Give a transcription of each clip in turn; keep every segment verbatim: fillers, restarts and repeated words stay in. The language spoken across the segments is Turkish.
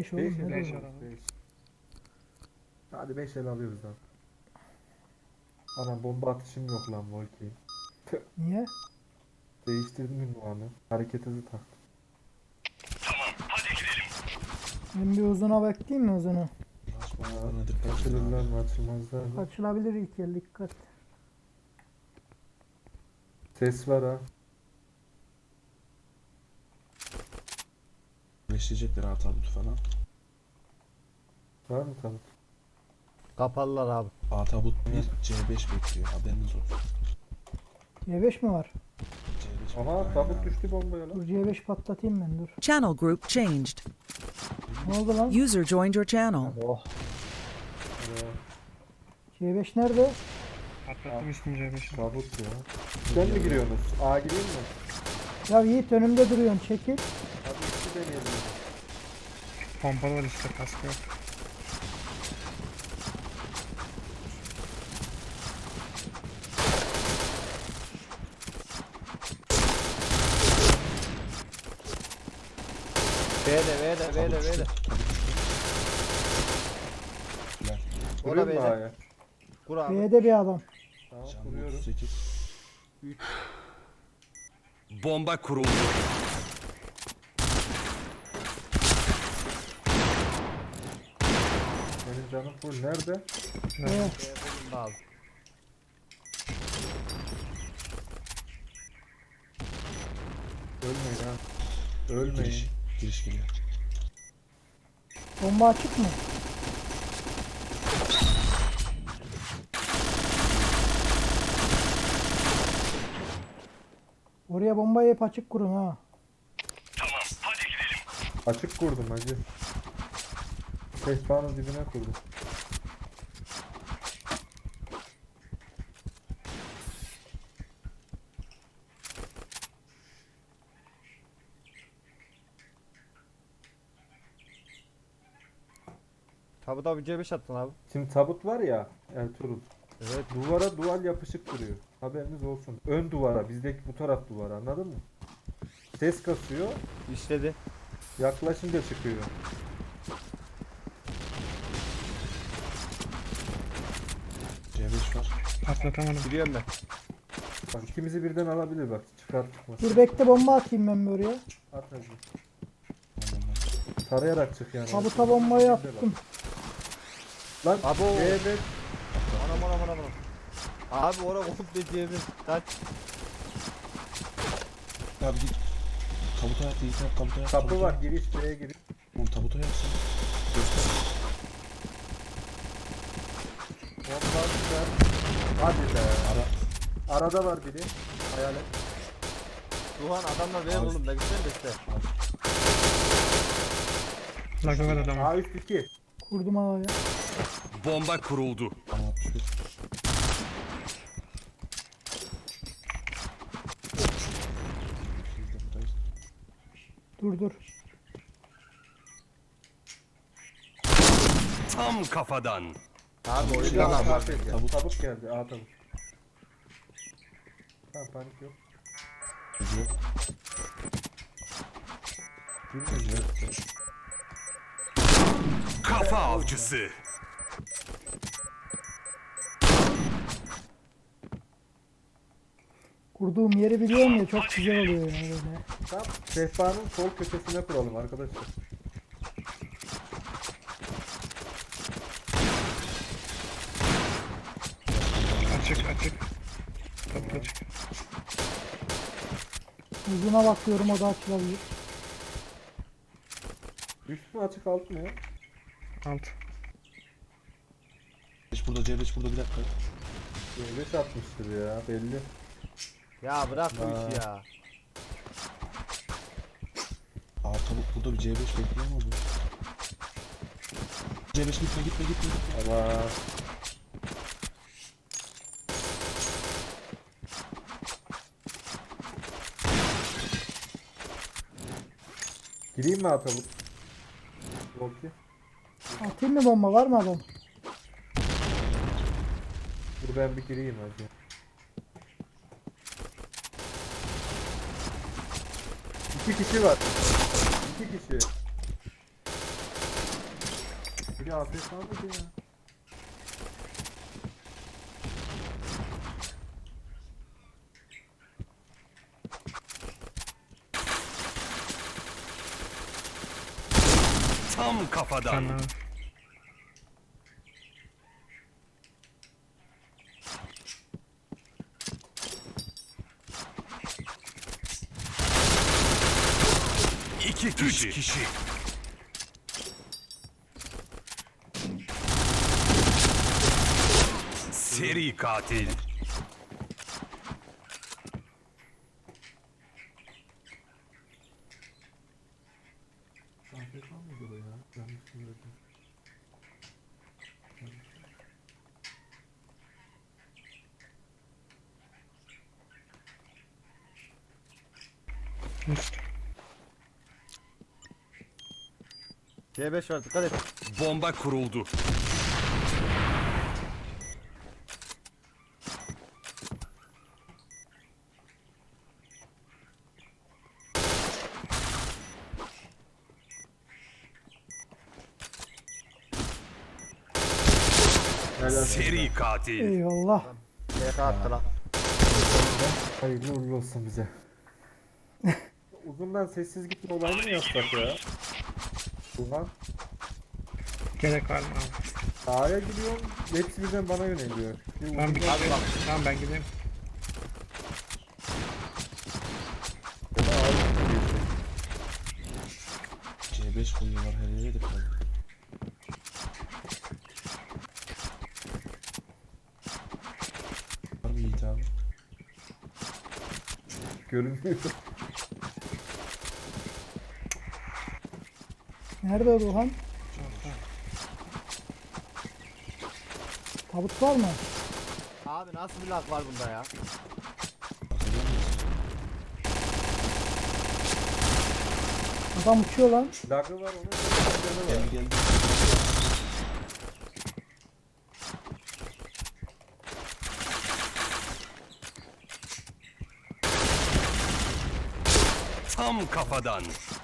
beş oğlum. beş Ne el diyor? alıyoruz, beş. Hadi beş el alıyoruz lan. Ana bomba atışım yok lan Volki. Niye? Değiştirdim ünvanı. Hareket hızı taktım. Ben bir uzuna bekleyeyim mi uzunu? Bana dikkat edin Açılırlar abi. mı açılmazlar mı? Açılabilir ilk el, dikkat. Ses var ha. Beşleyecekler ha tabutu falan. Var mı tanıt? Kapalılar abi. A tabut bir C beş bekliyor, haberiniz olsun. C beş mi var? C beş Aha bekliyor, tabut aynen düştü bombaya Dur lan. C beş patlatayım ben, dur. Channel group changed. Ne oldu lan? User joined your channel. Oh. Ya, C beş nerede? Patlattım üstüm C beş'i. tabut ya. Sen mi giriyorsunuz? A gireyim mi? Ya Yiğit önümde duruyorsun, çekil. Hadi ikisi deneyelim. Pompalı var işte, kaskı yok. B'de B'de Tabut B'de düştü, B'de. tabut düştü. Güzel. Vuruyor mu B'de. A'ya? Kur abi. B'de bir adam. Tamam Canlı vuruyorum. otuz sekiz. Bomba kuruldu. Benim canım full. Nerede? B. B bulundu abi. Ölmeyin ha. Ölmeyin. Giriş. Giriş geliyor. Bomba açık mı? Oraya bombayı hep açık kurun ha. Açık kurdum hacı. Sehpanın dibine kurdum. Tabuta bir C beş attın abi. Şimdi tabut var ya Ertuğrul. Evet. Duvara dual yapışık duruyor. Haberiniz olsun. Ön duvara, bizdeki bu taraf duvara, anladın mı? Ses kasıyor, İşledi. yaklaşınca çıkıyor. C beş var. Patlatamadım. Giriyorum ben. Bak ikimizi birden alabilir bak, çıkar çıkmaz. Dur bekle, bomba atayım ben bir oraya. At hacı. Tamam, tamam. Tarayarak çık yani. Tabuta bombayı attım. Lan Abo. evet. Anam anam anam anam. Abi oraya komple C beş. Kaç. Abi git. Tabuta yap, Yiğit yap, tabuta yap. Kapı tabuta var, yap. giriş B'ye giriş. Oğlum tabuta yapsın. Göster. Bomba güzel. Hadi be. Ara. Arada var biri. Hayalet. Duhan adamlar ver Abi. oğlum da gitsene de işte. Lagı var adamın. A üst iki. Kurdum havaya. Bomba kuruldu. Tamam, altmış bir. Biz de buradayız. Dur dur. Tam kafadan. Abi Şey oyundan var, abi. var. Tabut. Tabut. Tabut geldi. A tabut. Tamam panik yok. Gidiyor. Bilmiyorum. Kafa avcısı. Kurduğum yeri biliyorum ya, çok güzel oluyor yani böyle. Tam sehpanın sol köşesine kuralım arkadaşlar. Açık açık. Tabut açık. Uzuna bakıyorum, o da açılabilir. Üst mü açık alt mı ya? Alt. C beş burada, C beş burada, bir dakika. C beş atmıştır ya belli. Ya bırak bu Aa. işi ya. Aa tabut burada, bir C beş bekliyor mu bu? C beş gitme gitme gitme. gitme. Allah. Gireyim mi atalım? Volki. Atayım mı bomba, var mı adam? Dur ben bir gireyim hadi. İki kişi var. İki kişi. bir A F K mıydı ya? Tam kafadan. Tamam. İki kişi. Üç kişi. Seri katil. A F K mıydı o ya? Yanlış söyledim. Üst. C beş var dikkat et. Bomba kuruldu. Helal. Seri katil. Eyvallah. B K attı lan. Hayırlı uğurlu olsun bize. Uzundan sessiz gitme olayını mı yapsak ya? Ulan Gerek var mı abi? A'ya gidiyorum, hepsi birden bana yöneliyor. Bir Tamam bir uzundan- şey Tamam ben gideyim. Ya da A'ya gidiyor. C beş koyuyorlar her yere de kaldı. Var mı Yiğit abi? Görünmüyor. Nerede o Duhan? Tabut var mı? Abi nasıl bir lag var bunda ya? Bakacak mısın? Adam uçuyor lan. Lagı var onun canı var. Geldi geldi. Tam kafadan.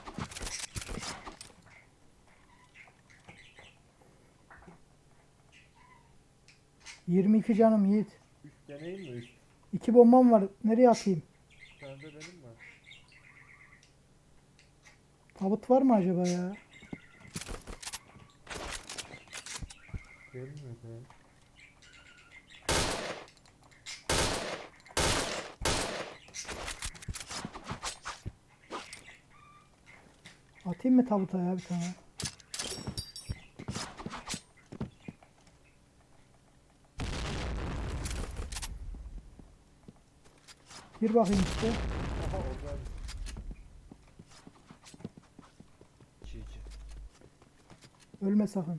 yirmi iki canım Yiğit. Üst deneyim mi üst? İki bombam var. Nereye atayım? Sende benim var. Tabut var mı acaba ya? Gelmiyor ya. Atayım mı tabuta ya bir tane? Gir bakayım işte. Aha orada. İki iki. Ölme sakın.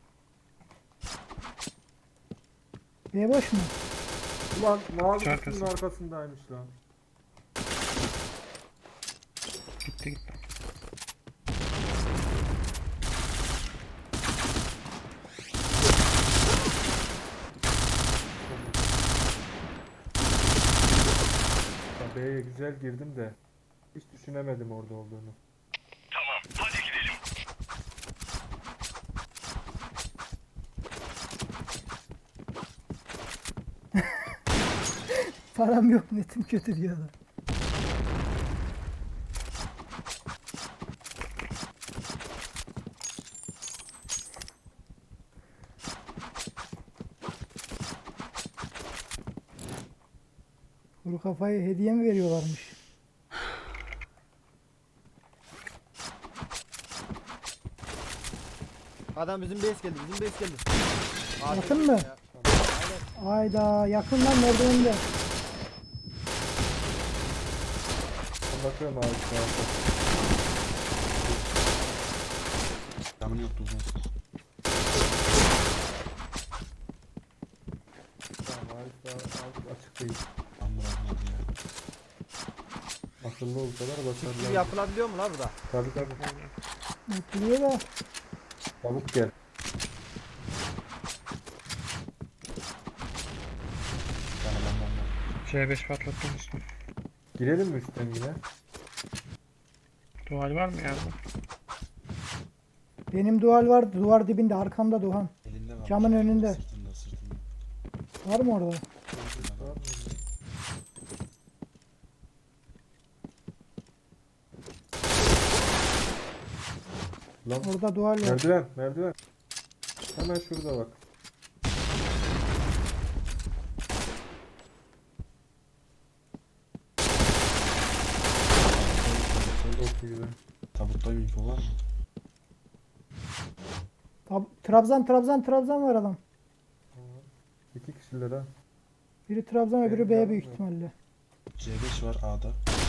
B boş mu? Ulan mavi Şarkısı. kutunun arkasındaymış lan. Gitti gitti. Ya B'ye güzel girdim de hiç düşünemedim orada olduğunu. Param yok, netim kötü diyor adam. Kuru kafayı hediye mi veriyorlarmış? Adam bizim base geldi bizim base geldi. Abi, Yakın mı? ya. Aynen. Ayda yakın lan merdivende. Bakıyorum abi şu anda. Canım yoktu uzun. Tamam Arif daha az- açık değil. Tam bırakmadı ya. Akıllı olsalar Gibi basarlar. yapılabiliyor mu lan burada? Tabii tabii. Bekliyor da. Çabuk gel. Bana bana bana. C beş patlattım üstüne. Girelim mi üstten yine? Duvar var mı ya? Benim duvar vardı. Duvar dibinde. Arkamda Doğan. Elinde var. Camın önünde. Sırtında sırtında. Var mı orada? Lan Orada duvar var. merdiven merdiven. Hemen şurada bak. Çok iyi. Tabutta bir info var mı? Tab- Trabzan Trabzan Trabzan var adam. İki kişiler ha. Biri Trabzan öbürü Benim B yanım büyük yok. ihtimalle. C beş var A'da.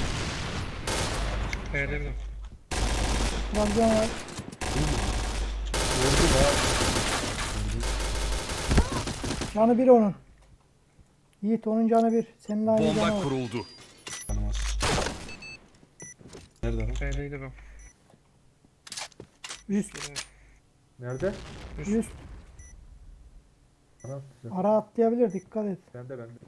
B'de bir. Trabzan var. Vurdum ha. Canı bir onun. Yiğit onun canı bir. Senin aynı canı Bomba var. kuruldu. Tanımaz. Nerede lan? B'deydi bu. Üst. Nerede? Üst. Bana atacak. Ara atlayabilir. Dikkat et. Bende bende.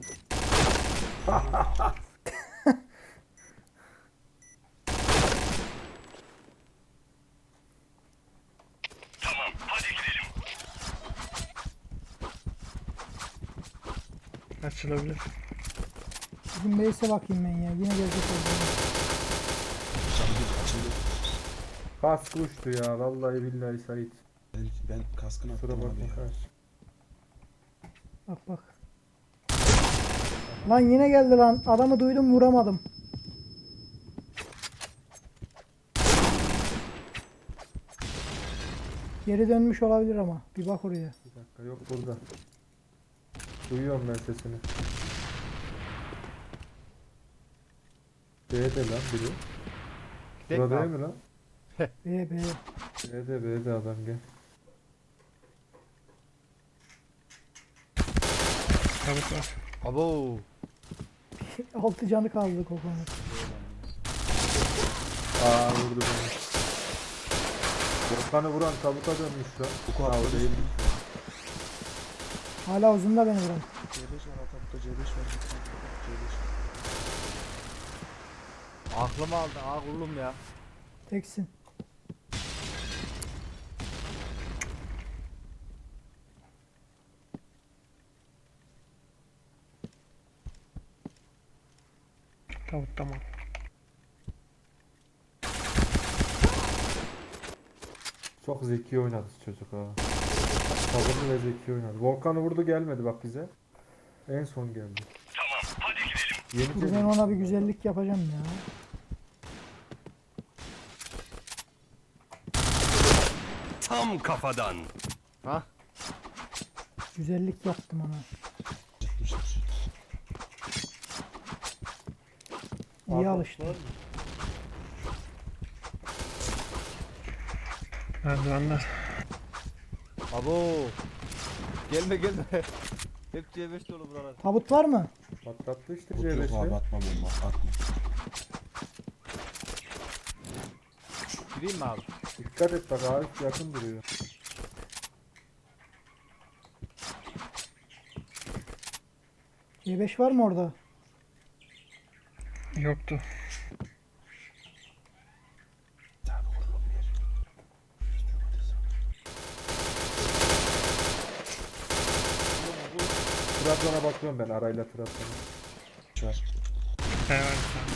Açılabilir. Bizim base'e bakayım ben ya. Yine gelecek oldu. Cam bir açıldı. Kask uçtu ya. Vallahi billahi Sait. Ben, ben kaskını Kusura attım abi bakma ya. kardeş. Bak bak. Lan yine geldi lan. Adamı duydum vuramadım. Geri dönmüş olabilir ama. Bir bak oraya. Bir dakika yok burada. Duyuyorum ben sesini. B'de lan biri. Tek Burada mi değil mi lan? B B. B'de B'de adam gel. Tabut var. Abo. Altı canı kaldı kokonun. Aa vurdu beni. Volkan'ı vuran tabuta dönmüş lan. Bu kadar değil. Hala uzunda beni vuran. C beş var tabutta C beş var. C beş. Aklımı aldın ha kullum ya. Teksin. Tabut tamam. Çok zeki oynadı çocuk ha. Sabırlı ve zeki oynadı. Volkan'ı vurdu gelmedi bak bize. En son geldi. Tamam hadi gidelim. Dur ben ona bir güzellik yapacağım ya. Tam kafadan. Ha? Güzellik yaptım ona. Çıkmıştır. İyi alıştı. Merdivenler. Abo. Gelme gelme. Hep C beş dolu buralar. Tabut var mı? Patlattı işte Yok yok abi C beşi. atma bomba atma. Gireyim mi abi? Dikkat et bak Arif yakın duruyor. C beş var mı orada? Yoktu. Abi vurulum yer. Trabzon'a bakıyorum ben arayla Trabzon'a. Şu var. B var bir tane.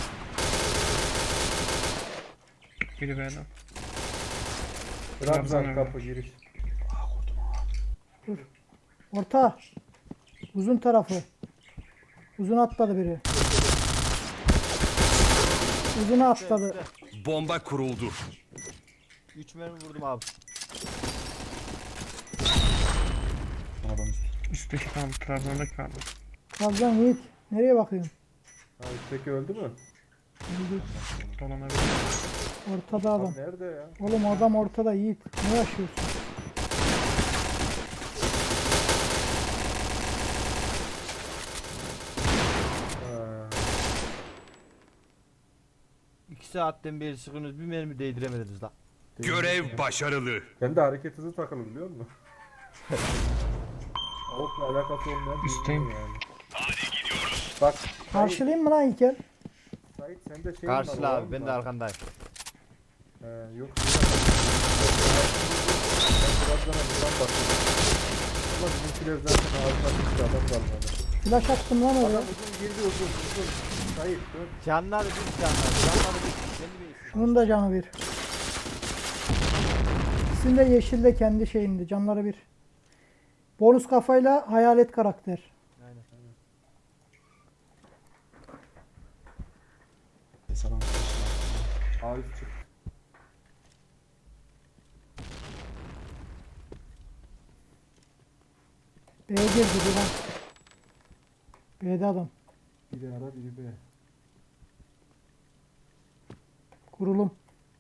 Biri B'den. Trabzon Trabzon'a kapı giriş. Aa vurdum ha. Orta. Uzun tarafı. Uzun atladı biri. Uzuna atladı. Bomba kuruldu. üç mermi vurdum abi. Son adam üstü. Üstteki kaldı. Trabzon'da kaldı. Trabzon Yiğit. Nereye bakıyorsun? Ha üstteki öldü mü? Öldü. Dolanabilir. Ortada adam. Lan nerede ya? Oğlum adam ortada Yiğit. Ne yaşıyorsun? Ha. iki saatten beri sıkıyorsunuz bir mermi değdiremediniz lan. Görev başarılı. Ben de hareket hızı takılı biliyor musun? Okla alakası olmayan bir Üstteyim. ürün yani. Hadi gidiyoruz. Bak Sait, Karşılayayım mı lan İlker? Sait sende şey Karşıla var, abi ben var de mı? arkandayım. He, yok. Ramazan'a buradan bakıyor. Ama bizimkiler zaten ağzına düştü, adam kalmadı. Flash attım lan oraya. Adam uzun girdi, uzun uzun. Hayır dön. Canları bir canları. Canları bir. Kendi bir. Şunun da canı bir. İkisinin de yeşil de kendi şeyinde. Canları bir. Bonus kafayla hayalet karakter. Aynen. Selam. Arif çık. B'ye girdi bir lan. B'de adam. Biri ara biri be. Kurulum.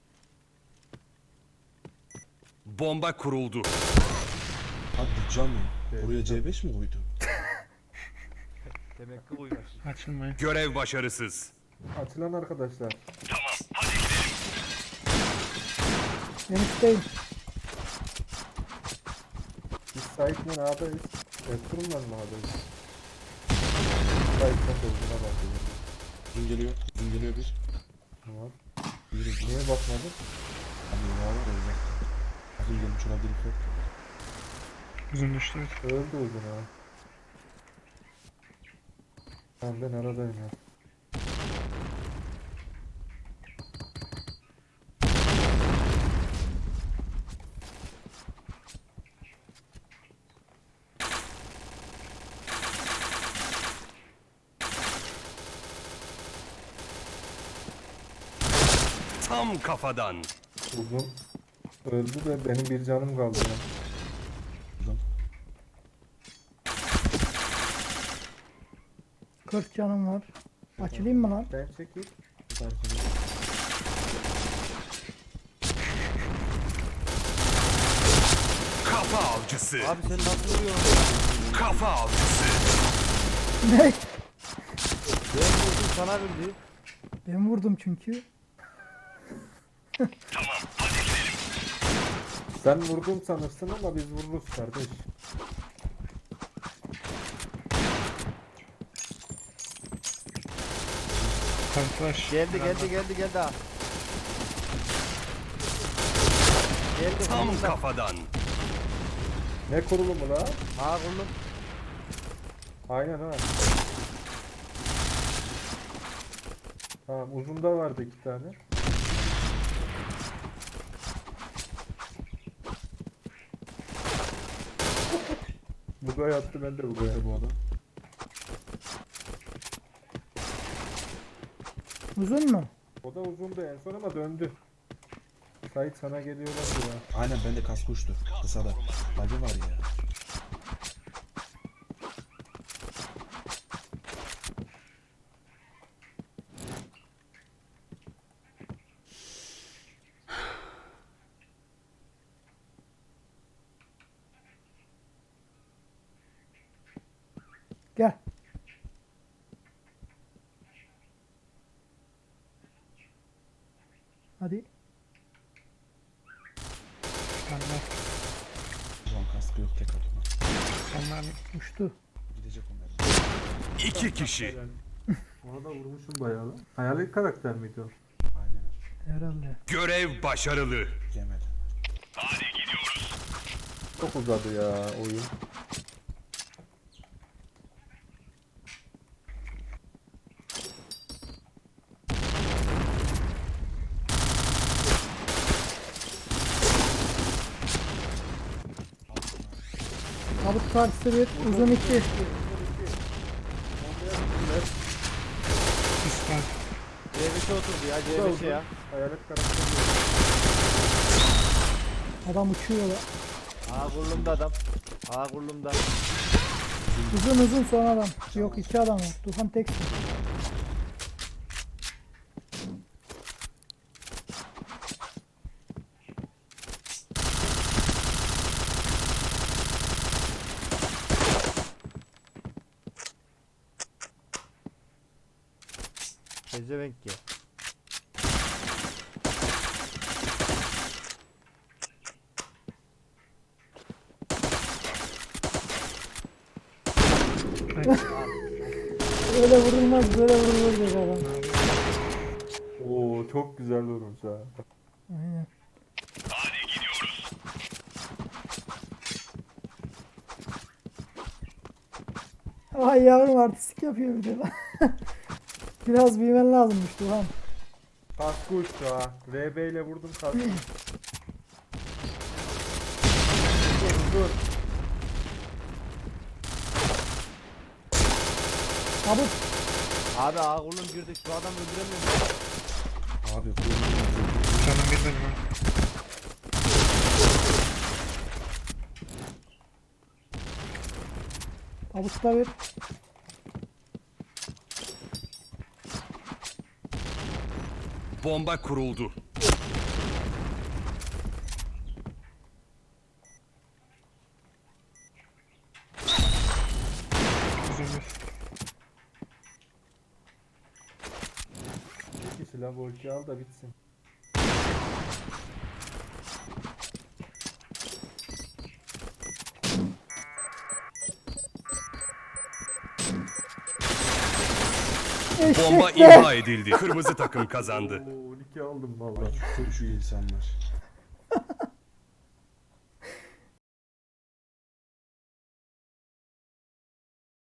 Bomba kuruldu. Hadi can mı? Evet. Oraya C beş mi koydu? Demek ki uymuş. Açılmayın. Görev başarısız. Açılan arkadaşlar. Ben üstteyim. Biz Sait'le A'dayız. Ertuğrul'la mı A'dayız? Sait'ten de uzuna bakıyoruz. Uzun geliyor. Uzun geliyor bir. Tamam. Yürü. Niye bakmadın? Hani ya var ya uzakta. Uzun gelmiş olabilir ufak. Uzun düştü. Öldü uzun ha. Tamam ben aradayım ya. Tam kafadan. Uzun öldü de benim bir canım kaldı ya. Uzun. kırk canım var. Açılayım mı lan? Ben çekeyim. Tamam, tamam. Kafa avcısı. Abi sen nasıl vuruyorsun? Kafa avcısı. Ne? Ben vurdum sana bildi. Ben vurdum çünkü. Sen vurdun sanırsın ama biz vururuz kardeş. Kamuflaj. Geldi geldi geldi geldi ha. Geldi Tam kurulumda. kafadan. Ne kurulumu la? Ha kurulum. Aynen ha. Tamam uzunda vardı iki tane. Buga yattı, ben de buga Nerede yattım. bu adam? Uzun mu? O da uzundu en son ama döndü. Sait sana geliyorlar ya. Aynen bende kask uçtu. Kısada. Bacı var ya. Gel. Hadi. Onlar, Ulan kaskı yok tek atma. onlar Uçtu. Gidecek onlar. İki kişi. Ona da vurmuşum bayağı lan. Hayalet karakter miydi o? Aynen. Herhalde. Görev başarılı. Yemedi. Çok uzadı ya oyun. Tabut karşısı bir. Uzun iki. üst var. C beşe oturdu ya C beşe ya. Hayalet karakter. Adam uçuyor lan. Ha kurulumda adam. Ha kurulumda. Uzun uzun son adam. Yok iki adam var. Tufan teksin. Pezevenk ya. Öyle vurulmaz, böyle vurulur dedi adam. Oo çok güzel vurmuş ha. Aynen. Ay yavrum artistik yapıyor bir de lan. Biraz büyümen lazımmış Duhan. Kaskı uçtu ha. R B ile vurdum kaskı. dur dur. Tabut. Abi ağa oğlum girdik şu adamı öldüremiyorum. Abi bu Canım bir benim ha. Tabutta bir. Bomba kuruldu. Uzun bir. Bir kişi la volki al da bitsin. Bomba Eşekler. imha edildi. Kırmızı takım kazandı. Oo, on iki aldım valla. Ay, şu, şu insanlar.